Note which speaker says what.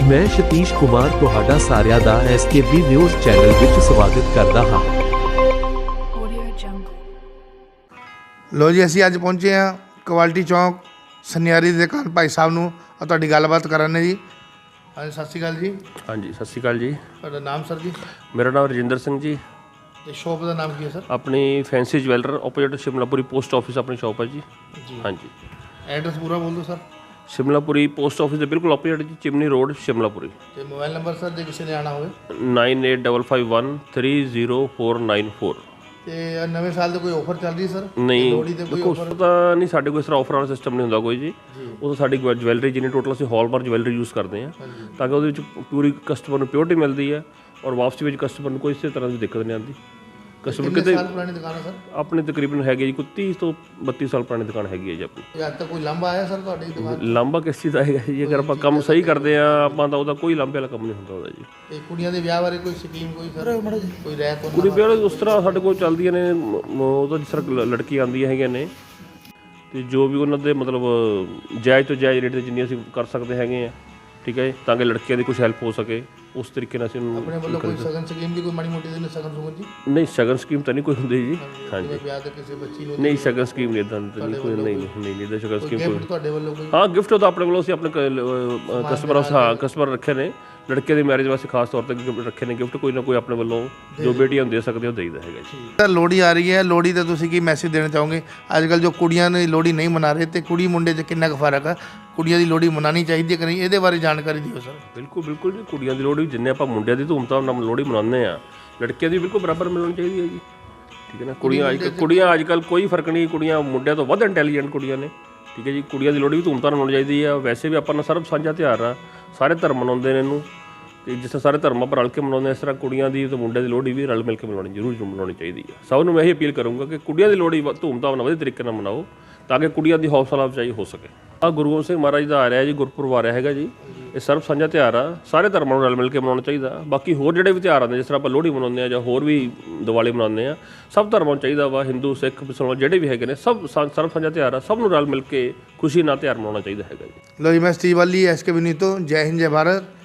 Speaker 1: मैं सतीश कुमार तुहाडा सारिਆਂ ਦਾ SKB ਨਿਊਜ਼ ਚੈਨਲ ਵਿੱਚ ਸਵਾਗਤ ਕਰਦਾ ਹਾਂ।
Speaker 2: ਲੋ ਜੀ ਅਸੀਂ ਅੱਜ ਪਹੁੰਚੇ ਹਾਂ ਕੁਆਲਿਟੀ ਚੌਂਕ ਸਨਿਆਰੀ ਦੀ ਦੁਕਾਨ ਭਾਈ ਸਾਹਿਬ ਨੂੰ और ਤੁਹਾਡੀ ਗੱਲਬਾਤ ਕਰਾਂਗੇ ਜੀ। ਹਾਂਜੀ ਸਤਿ ਸ਼੍ਰੀ ਅਕਾਲ ਜੀ।
Speaker 3: ਹਾਂਜੀ ਸਤਿ ਸ਼੍ਰੀ ਅਕਾਲ ਜੀ।
Speaker 2: ਤੁਹਾਡਾ ਨਾਮ ਸਰ ਜੀ?
Speaker 3: ਮੇਰਾ ਨਾਮ ਰਜਿੰਦਰ ਸਿੰਘ ਜੀ।
Speaker 2: ਤੇ ਸ਼ੌਪ ਦਾ ਨਾਮ ਕੀ ਹੈ ਸਰ?
Speaker 3: ਆਪਣੀ fancy jeweller opposite Shimlapuri post office ਆਪਣੀ ਸ਼ੌਪ ਹੈ ਜੀ। ਹਾਂਜੀ
Speaker 2: ਐਡਰੈਸ ਪੂਰਾ ਬੋਲ ਦਿਓ ਸਰ।
Speaker 3: ਸ਼ਿਮਲਾਪੁਰੀ ਪੋਸਟ ਆਫਿਸ ਦੇ ਬਿਲਕੁਲ ਆਪੋਜ਼ਿਟ ਜੀ, ਚਿਮਨੀ ਰੋਡ ਸ਼ਿਮਲਾਪੁਰੀ।
Speaker 2: ਤੇ ਮੋਬਾਈਲ ਨੰਬਰ ਸਰ ਜੇ ਕਿਸੇ ਨੇ ਆਣਾ ਹੋਵੇ?
Speaker 3: 9855130494।
Speaker 2: ਤੇ ਨਵੇਂ ਸਾਲ ਦੇ ਕੋਈ ਆਫਰ ਚੱਲ ਰਹੀ ਸਰ?
Speaker 3: ਨਹੀਂ
Speaker 2: ਲੋਹੜੀ ਤੇ ਕੋਈ ਆਫਰ
Speaker 3: ਤਾਂ ਨਹੀਂ, ਸਾਡੇ ਕੋਲ ਇਸ ਤਰ੍ਹਾਂ ਆਫਰ ਵਾਲਾ ਸਿਸਟਮ ਨਹੀਂ ਹੁੰਦਾ ਕੋਈ ਜੀ। ਉਹ ਤਾਂ ਸਾਡੀ ਜਵੈਲਰੀ ਜਿੰਨੀ ਟੋਟਲ ਅਸੀਂ ਹੌਲਮਾਰਕ ਜਵੈਲਰੀ ਯੂਜ਼ ਕਰਦੇ ਹਾਂ ਤਾਂ ਕਿ ਉਹਦੇ ਵਿੱਚ ਪੂਰੀ ਕਸਟਮਰ ਨੂੰ ਪਿਓਰਟੀ ਮਿਲਦੀ ਹੈ ਔਰ ਵਾਪਸੀ ਵਿੱਚ ਕਸਟਮਰ ਨੂੰ ਕੋਈ ਇਸੇ ਤਰ੍ਹਾਂ ਦੀ ਦਿੱਕਤ ਨਹੀਂ ਆਉਂਦੀ। ਕਸਟਮਰ ਕਿਤੇ
Speaker 2: ਸਾਲ ਪੁਰਾਣੀ ਦੁਕਾਨ ਹੈ ਸਰ?
Speaker 3: ਆਪਣੀ ਤਕਰੀਬਨ ਹੈਗੀ ਜੀ ਕੋਈ 30 ਤੋਂ 32 ਸਾਲ ਪੁਰਾਣੀ ਦੁਕਾਨ ਹੈਗੀ ਹੈ ਜੀ ਆਪਣੀ।
Speaker 2: ਅੱਜ ਤੱਕ ਕੋਈ ਲੰਬਾ ਆਇਆ ਸਰ ਤੁਹਾਡੀ ਦੁਕਾਨ?
Speaker 3: ਲਾਂਭਾ ਕਿਸ ਚੀਜ਼ ਦਾ ਹੈਗਾ ਜੀ? ਅਗਰ ਆਪਾਂ ਕੰਮ ਸਹੀ ਕਰਦੇ ਆ ਆਪਾਂ ਤਾਂ ਉਹਦਾ ਕੋਈ ਲਾਂਭੇ ਵਾਲਾ ਕੰਮ ਨਹੀਂ ਹੁੰਦਾ ਉਹਦਾ ਜੀ।
Speaker 2: ਤੇ ਕੁੜੀਆਂ ਦੇ ਵਿਆਹ ਬਾਰੇ ਕੋਈ ਸਕੀਮ ਕੋਈ ਸਰ ਕੋਈ ਰਹਿ ਤੋਂ?
Speaker 3: ਕੁੜੀ ਵਿਆਹ ਉਸ ਤਰ੍ਹਾਂ ਸਾਡੇ ਕੋਲ ਚੱਲਦੀਆਂ ਨੇ, ਉਹਦਾ ਜਿਸ ਤਰ੍ਹਾਂ ਲੜਕੀ ਆਉਂਦੀਆਂ ਹੈਗੀਆਂ ਨੇ ਤੇ ਜੋ ਵੀ ਉਹਨਾਂ ਦੇ ਮਤਲਬ ਜਾਇਜ਼ ਤੋਂ ਜਾਇਜ਼ ਰੇਟ ਤੇ ਜਿੰਨੀ ਅਸੀਂ ਕਰ ਸਕਦੇ ਹੈਗੇ ਆ, ਠੀਕ ਹੈ, ਤਾਂ ਕਿ ਲੜਕੀਆਂ ਦੀ ਕੁਝ ਹੈਲਪ ਹੋ ਸਕੇ ਉਸ ਤਰੀਕੇ ਨਾਲ ਅਸੀਂ
Speaker 2: ਆਪਣੇ ਵੱਲੋਂ ਕੋਈ ਸ਼ਗਨ ਸਕੀਮ ਦੀ ਕੋਈ ਮਾੜੀ ਮੋਟੀ ਦੇ ਸ਼ਗਨ ਸੁਗਨ ਜੀ?
Speaker 3: ਨਹੀਂ ਸ਼ਗਨ ਸਕੀਮ ਤਾਂ ਨਹੀਂ ਕੋਈ ਹੁੰਦੀ ਜੀ। ਹਾਂਜੀ
Speaker 2: ਵਿਆਹ ਤੇ ਕਿਸੇ ਬੱਚੀ ਨੂੰ
Speaker 3: ਨਹੀਂ ਸ਼ਗਨ ਸਕੀਮ ਨਹੀਂ ਇਦਾਂ ਨਹੀਂ ਕੋਈ, ਨਹੀਂ ਇਹਦਾ ਸ਼ਗਨ ਸਕੀਮ ਕੋਈ।
Speaker 2: ਤੁਹਾਡੇ ਵੱਲੋਂ ਕੋਈ?
Speaker 3: ਹਾਂ ਗਿਫਟ ਤਾਂ ਆਪਣੇ ਵੱਲੋਂ ਅਸੀਂ ਆਪਣੇ ਕਸਟਮਰ ਰੱਖੇ ਨੇ, ਲੜਕੇ ਦੀ ਮੈਰਿਜ ਵਾਸਤੇ ਖਾਸ ਤੌਰ ਤੇ ਰੱਖੇ ਨੇ ਗਿਫਟ, ਕੋਈ ਨਾ ਕੋਈ ਆਪਣੇ ਵੱਲੋਂ ਜੋ ਬੇਟੀਆਂ ਦੇ ਸਕਦੇ ਉਹ ਦੇਈਦਾ ਹੈਗਾ ਜੀ।
Speaker 2: ਸਰ ਲੋਹੜੀ ਆ ਰਹੀ ਹੈ, ਲੋਹੜੀ ਤੇ ਤੁਸੀਂ ਕੀ ਮੈਸੇਜ ਦੇਣਾ ਚਾਹੋਗੇ? ਅੱਜ ਕੱਲ੍ਹ ਜੋ ਕੁੜੀਆਂ ਨੇ ਲੋਹੜੀ ਨਹੀਂ ਮਨਾ ਰਹੇ ਤੇ ਕੁੜੀ ਮੁੰਡੇ 'ਚ ਕਿੰਨਾ ਕੁ ਫਰਕ ਹੈ? ਕੁੜੀਆਂ ਦੀ ਲੋਹੜੀ ਮਨਾਉਣੀ ਚਾਹੀਦੀ ਹੈ ਕਿ ਨਹੀਂ, ਇਹਦੇ ਬਾਰੇ ਜਾਣਕਾਰੀ ਦਿਓ ਸਰ।
Speaker 3: ਬਿਲਕੁਲ ਜੀ, ਕੁੜੀਆਂ ਦੀ ਲੋਹੜੀ ਜਿੰਨੇ ਆਪਾਂ ਮੁੰਡਿਆਂ ਦੀ ਧੂਮਧਾਮ ਨਾਲ ਲੋਹੜੀ ਮਨਾਉਂਦੇ ਆ, ਲੜਕੀਆਂ ਦੀ ਬਿਲਕੁਲ ਬਰਾਬਰ ਮਿਲਣੀ ਚਾਹੀਦੀ ਹੈ ਜੀ, ਠੀਕ ਹੈ ਨਾ। ਕੁੜੀਆਂ ਅੱਜ ਕੱਲ੍ਹ ਕੋਈ ਫਰਕ ਨਹੀਂ, ਕੁੜੀਆਂ ਮੁੰਡਿਆਂ ਤੋਂ ਵੱਧ ਇੰਟੈਲੀਜੈਂਟ ਕੁੜੀਆਂ ਨੇ, ਠੀਕ ਹੈ ਜੀ। ਕੁੜੀਆਂ ਦੀ ਲੋਹੜੀ ਵੀ ਧੂਮਧਾਮ ਮਨਾਉਣੀ ਚਾਹੀਦੀ ਆ। ਵੈਸੇ ਵੀ ਆਪਾਂ ਨਾਲ ਸਰਬ ਸਾਂਝਾ ਤਿਉਹਾਰ ਆ, ਸਾਰੇ ਧਰਮ ਮਨਾਉਂਦੇ ਨੇ ਇਹਨੂੰ, ਤੇ ਜਿਸ ਤਰ੍ਹਾਂ ਸਾਰੇ ਧਰਮਾਂ ਪਰ ਰਲ ਕੇ ਮਨਾਉਂਦੇ ਇਸ ਤਰ੍ਹਾਂ ਕੁੜੀਆਂ ਦੀ ਤੇ ਮੁੰਡਿਆਂ ਦੀ ਲੋਹੜੀ ਵੀ ਰਲ ਮਿਲ ਕੇ ਜ਼ਰੂਰ ਮਨਾਉਣੀ ਚਾਹੀਦੀ ਹੈ। ਸਭ ਨੂੰ ਮੈਂ ਇਹ ਅਪੀਲ ਕਰੂੰਗਾ ਕਿ ਕੁੜੀਆਂ ਦੀ ਲੋਹੜੀ ਧੂਮਧਾਮ ਨਾਲ ਵਧੀਆ ਤਰੀਕੇ ਨਾਲ ਮਨਾਓ ਤਾਂ ਕਿ ਕੁੜੀਆਂ ਦੀ ਹੌਸਲਾ ਅਫਜ਼ਾਈ ਹੋ ਸਕੇ। ਆਹ ਗੁਰੂ ਗੋਬਿੰਦ ਸਿੰਘ ਮਹਾਰਾਜ ਦਾ ਆ ਰਿਹਾ ਜੀ, ਗੁਰਪੁਰਬ ਆ ਰਿਹਾ ਹੈਗਾ ਜੀ। ਇਹ ਸਰਬ ਸਾਂਝਾ ਤਿਉਹਾਰ ਆ, ਸਾਰੇ ਧਰਮਾਂ ਨੂੰ ਰਲ ਮਿਲ ਕੇ ਮਨਾਉਣਾ ਚਾਹੀਦਾ। ਬਾਕੀ ਹੋਰ ਜਿਹੜੇ ਵੀ ਤਿਉਹਾਰ ਆਉਂਦੇ ਜਿਸ ਤਰ੍ਹਾਂ ਆਪਾਂ ਲੋਹੜੀ ਮਨਾਉਂਦੇ ਆ ਜਾਂ ਹੋਰ ਵੀ ਦੀਵਾਲੀ ਮਨਾਉਂਦੇ ਆ, ਸਭ ਧਰਮਾਂ ਨੂੰ ਚਾਹੀਦਾ ਵਾ, ਹਿੰਦੂ ਸਿੱਖ ਮੁਸਲਮਾਨ ਜਿਹੜੇ ਵੀ ਹੈਗੇ ਨੇ, ਸਭ ਸਰਬ ਸਾਂਝਾ ਤਿਉਹਾਰ ਆ, ਸਭ ਨੂੰ ਰਲ ਮਿਲ ਕੇ ਖੁਸ਼ੀ ਨਾਲ ਤਿਉਹਾਰ ਮਨਾਉਣਾ ਚਾਹੀਦਾ ਹੈਗਾ ਜੀ।
Speaker 2: ਲੋ ਜੀ ਮੈਂ ਸਟੀਵ ਵਾਲੀ SKB ਨਿਊਜ਼ ਤੋਂ, ਜੈ ਹਿੰਦ ਜੈ ਭਾਰਤ।